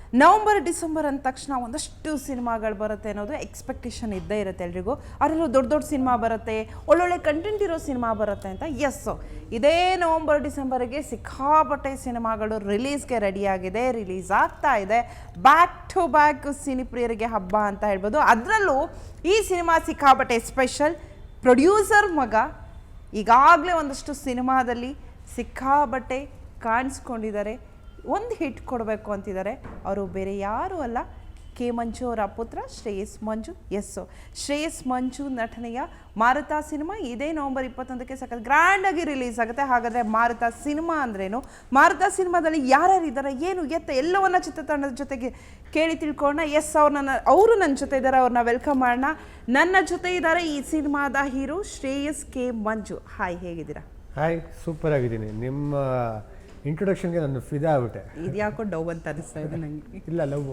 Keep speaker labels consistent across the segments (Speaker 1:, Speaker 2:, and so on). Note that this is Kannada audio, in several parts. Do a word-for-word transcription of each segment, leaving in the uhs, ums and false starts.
Speaker 1: ನವಂಬರ್ ಡಿಸೆಂಬರ್ ಅಂದ ತಕ್ಷಣ ಒಂದಷ್ಟು ಸಿನಿಮಾಗಳು ಬರುತ್ತೆ ಅನ್ನೋದು ಎಕ್ಸ್ಪೆಕ್ಟೇಷನ್ ಇದ್ದೇ ಇರುತ್ತೆ ಎಲ್ರಿಗೂ. ಅದರಲ್ಲೂ ದೊಡ್ಡ ದೊಡ್ಡ ಸಿನಿಮಾ ಬರುತ್ತೆ, ಒಳ್ಳೊಳ್ಳೆ ಕಂಟೆಂಟ್ ಇರೋ ಸಿನಿಮಾ ಬರುತ್ತೆ ಅಂತ. ಎಸ್ಸು ಇದೇ ನವಂಬರ್ ಡಿಸೆಂಬರ್ಗೆ ಸಿಕ್ಕಾಪಟ್ಟೆ ಸಿನಿಮಾಗಳು ರಿಲೀಸ್ಗೆ ರೆಡಿಯಾಗಿದೆ, ರಿಲೀಸ್ ಆಗ್ತಾ ಇದೆ. ಬ್ಯಾಕ್ ಟು ಬ್ಯಾಕ್ ಸಿನಿಪ್ರಿಯರಿಗೆ ಹಬ್ಬ ಅಂತ ಹೇಳ್ಬೋದು. ಅದರಲ್ಲೂ ಈ ಸಿನಿಮಾ ಸಿಕ್ಕಾಪಟ್ಟೆ ಸ್ಪೆಷಲ್. ಪ್ರೊಡ್ಯೂಸರ್ ಮಗ ಈಗಾಗಲೇ ಒಂದಷ್ಟು ಸಿನಿಮಾದಲ್ಲಿ ಸಿಕ್ಕಾಪಟ್ಟೆ ಕಾಣಿಸ್ಕೊಂಡಿದ್ದಾರೆ, ಒಂದು ಹಿಟ್ ಕೊಡಬೇಕು ಅಂತಿದ್ದಾರೆ. ಅವರು ಬೇರೆ ಯಾರೂ ಅಲ್ಲ, ಕೆ ಮಂಜು ಅವರ ಪುತ್ರ ಶ್ರೇಯಸ್ ಮಂಜು. ಎಸ್ಸು ಶ್ರೇಯಸ್ ಮಂಜು ನಟನೆಯ ಮಾರುತ ಸಿನಿಮಾ ಇದೇ ನವಂಬರ್ ಇಪ್ಪತ್ತೊಂದಕ್ಕೆ ಸಖತ್ ಗ್ರ್ಯಾಂಡಾಗಿ ರಿಲೀಸ್ ಆಗುತ್ತೆ. ಹಾಗಾದರೆ ಮಾರುತ ಸಿನಿಮಾ ಅಂದ್ರೇನು, ಮಾರುತ ಸಿನಿಮಾದಲ್ಲಿ ಯಾರ್ಯಾರಿದ್ದಾರೆ, ಏನು ಎತ್ತ ಎಲ್ಲವನ್ನ ಚಿತ್ರತಂಡದ ಜೊತೆಗೆ ಕೇಳಿ ತಿಳ್ಕೊಳ್ಳೋಣ. ಎಸ್ ಅವ್ರು ನನ್ನ ಅವರು ನನ್ನ ಜೊತೆ ಇದ್ದಾರೆ, ಅವ್ರನ್ನ ವೆಲ್ಕಮ್ ಮಾಡೋಣ. ನನ್ನ ಜೊತೆ ಇದ್ದಾರೆ ಈ ಸಿನಿಮಾದ hero Shreyas K Manju. Hi, ಹೇಗಿದ್ದೀರಾ?
Speaker 2: ಹಾಯ್, ಸೂಪರ್ ಆಗಿದ್ದೀನಿ. ನಿಮ್ಮ ಇಂಟ್ರೊಡಕ್ಷನ್ಗೆ ನಾನು ಫಿದಾ ಆಗ್ಬಿಟ್ಟೆ.
Speaker 1: ಇದು ಯಾಕೋ ಡವ್ ಅಂತ ಅನಿಸ್ತಾ ಇದೆ ನನಗೆ.
Speaker 2: ಇಲ್ಲ, ಲವ್.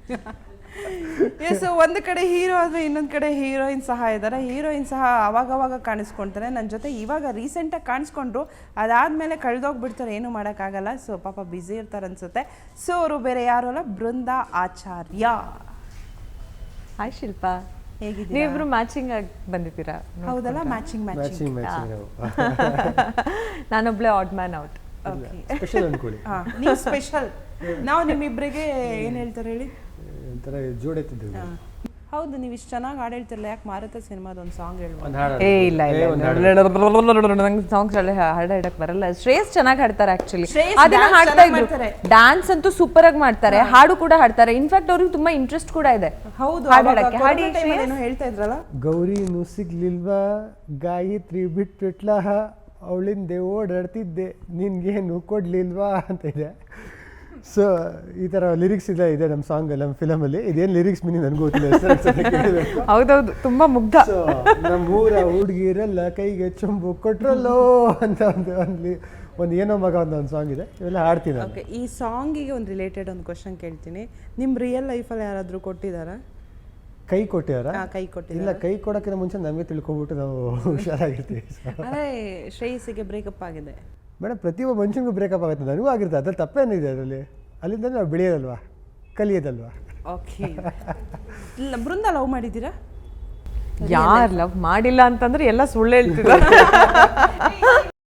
Speaker 1: ಎಸ್, ಒಂದು ಕಡೆ ಹೀರೋ ಆದರೆ ಇನ್ನೊಂದು ಕಡೆ ಹೀರೋಯಿನ್ ಸಹ ಇದ್ದಾರೆ. ಹೀರೋಯಿನ್ ಸಹ ಅವಾಗವಾಗ ಕಾಣಿಸ್ಕೊಳ್ತಾರೆ ನನ್ನ ಜೊತೆ. ಇವಾಗ ರೀಸೆಂಟಾಗಿ ಕಾಣಿಸ್ಕೊಂಡ್ರು, ಅದಾದಮೇಲೆ ಕಳೆದೋಗ್ಬಿಡ್ತಾರೆ, ಏನು ಮಾಡೋಕ್ಕಾಗಲ್ಲ. ಸೊ ಪಾಪ ಬ್ಯುಸಿ ಇರ್ತಾರೆ ಅನಿಸುತ್ತೆ. ಸೊ ಅವರು ಬೇರೆ ಯಾರು ಅಲ್ಲ, ಬೃಂದಾ ಆಚಾರ್ಯ.
Speaker 3: ಹಾಯ್ ಶಿಲ್ಪಾ,
Speaker 1: ಹೇಗಿದ್ದೀರಾ?
Speaker 3: ನೀವಿಬ್ರು ಮ್ಯಾಚಿಂಗ್ ಆಗಿ ಬಂದಿದ್ದೀರಾ?
Speaker 1: ಹೌದಲ್ಲ, ಮ್ಯಾಚಿಂಗ್ ಮ್ಯಾಚಿಂಗ್.
Speaker 3: ನಾನೊಬ್ಳೆ ಆಡ್ ಮ್ಯಾನ್ ಔಟ್.
Speaker 2: ಸ್ಪೆಷಲ್ ಅನ್ಕೊಳ್ಳಿ.
Speaker 1: ಹಾಂ, ನೀವು ಸ್ಪೆಷಲ್. ನಾವು ನಿಮ್ಮಿಬ್ಬರಿಗೆ ಏನು ಹೇಳ್ತಾರೆ ಹೇಳಿ,
Speaker 2: ಒಂಥರ ಜೋಡೆತ್ತಿದ್ದೀವಿ.
Speaker 1: ಹೌದು, ನೀವು ಇಷ್ಟು ಚೆನ್ನಾಗಿ ಹಾಡು ಹೇಳ್ತಿರಲ್ಲ, ಯಾಕೆ ಮಾರುತ ಸಿನಿಮಾದ ಒಂದು ಸಾಂಗ್ ಹೇಳ್ಬೋದು?
Speaker 3: ಏ ಇಲ್ಲ ಇಲ್ಲ, ನಂಗೆ ಸಾಂಗ್ಸ್ ಎಲ್ಲ ಹಾಡು ಹಾಡಕ್ ಬರಲ್ಲ. ಶ್ರೇಯಸ್ ಚೆನ್ನಾಗಿ ಹಾಡ್ತಾರೆ ಆಕ್ಚುಲಿ, ಅದನ್ನ ಹಾಡ್ತಾ ಇದ್ರು. ಡ್ಯಾನ್ಸ್ ಅಂತೂ ಸೂಪರ್ ಆಗಿ ಮಾಡ್ತಾರೆ, ಹಾಡು ಕೂಡ ಹಾಡ್ತಾರೆ. ಇನ್ಫ್ಯಾಕ್ಟ್ ಅವ್ರಿಗೆ ತುಂಬಾ ಇಂಟ್ರೆಸ್ಟ್ ಕೂಡ ಇದೆ.
Speaker 1: ಹೌದು,
Speaker 3: ಹಾಡು ಹಾಡಕ್ಕೆ. ಹಾಡಿ
Speaker 1: ಏನೋ ಹೇಳ್ತಾ ಇದ್ರಲ್ಲ,
Speaker 2: ಗೌರಿನೂ ಸಿಗ್ಲಿಲ್ವಾ, ಗಾಯತ್ರಿ ಬಿಟ್ಬಿಟ್ಲ, ಅವಳಿಂದೆ ಓಡಾಡ್ತಿದ್ದೆ, ನಿನ್ಗೇನು ಕೊಡ್ಲಿಲ್ವಾ ಅಂತ ಇದೆ. ಸೊ ಈ ಥರ ಲಿರಿಕ್ಸ್ ಇದೆ ಇದೆ ನಮ್ಮ ಸಾಂಗ್, ನಮ್ಮ ಫಿಲಮಲ್ಲಿ. ಇದೇನು ಲಿರಿಕ್ಸ್ ಮೀನಿಂಗ್ ನನಗೂ ಗೊತ್ತಿಲ್ಲ.
Speaker 3: ಹೌದೌದು, ತುಂಬಾ ಮುಗ್ಧ.
Speaker 2: ಸೊ ನಮ್ಮ ಊರ ಹುಡುಗಿರೆಲ್ಲ ಕೈಗೆ ಚೊಂಬು ಕೊಟ್ರಲ್ಲೋ ಅಂತ ಒಂದು ಒಂದು ಒಂದು ಏನೋ ಮಗ ಅಂತ ಒಂದು ಸಾಂಗ್ ಇದೆ, ಇವೆಲ್ಲ ಹಾಡ್ತೀನಿ.
Speaker 1: ಓಕೆ, ಈ ಸಾಂಗಿಗೆ ಒಂದು ರಿಲೇಟೆಡ್ ಒಂದು ಕ್ವಶನ್ ಕೇಳ್ತೀನಿ. ನಿಮ್ಮ ರಿಯಲ್ ಲೈಫಲ್ಲಿ ಯಾರಾದರೂ ಕೊಟ್ಟಿದ್ದಾರಾ?
Speaker 2: ಕೈ ಕೊಟ್ಟಿದಾರ?
Speaker 1: ಕೈ ಕೊಟ್ಟಿಲ್ಲ.
Speaker 2: ಇಲ್ಲ, ಕೈ ಕೊಡೋಕ್ಕಿಂತ ಮುಂಚೆ ನಮಗೆ ತಿಳ್ಕೊಬಿಟ್ಟು ನಾವು ಹುಷಾರಾಗಿರ್ತೀವಿ.
Speaker 1: ಅದೇ ಶ್ರೇಯಸ್ಸಿಗೆ ಬ್ರೇಕಪ್ ಆಗಿದೆ
Speaker 2: ಮೇಡಮ್. ಪ್ರತಿಯೊಬ್ಬ ಮನುಷ್ಯನಿಗೂ ಬ್ರೇಕಪ್ ಆಗುತ್ತೆ, ನನಗೂ ಆಗಿರುತ್ತೆ. ಅದ್ರಲ್ಲಿ ತಪ್ಪೇನಿದೆ ಅದರಲ್ಲಿ? ಅಲ್ಲಿಂದ ನಾವು ಬೆಳೆಯೋದಲ್ವಾ, ಕಲಿಯೋದಲ್ವಾ?
Speaker 1: ಓಕೆ. ಇಲ್ಲ, ಬೃಂದ ಲವ್ ಮಾಡಿದ್ದೀರಾ?
Speaker 3: ಯಾರು ಲವ್ ಮಾಡಿಲ್ಲ ಅಂತಂದ್ರೆ ಎಲ್ಲ ಸುಳ್ಳು ಹೇಳ್ತಿದ್ದಾರೆ.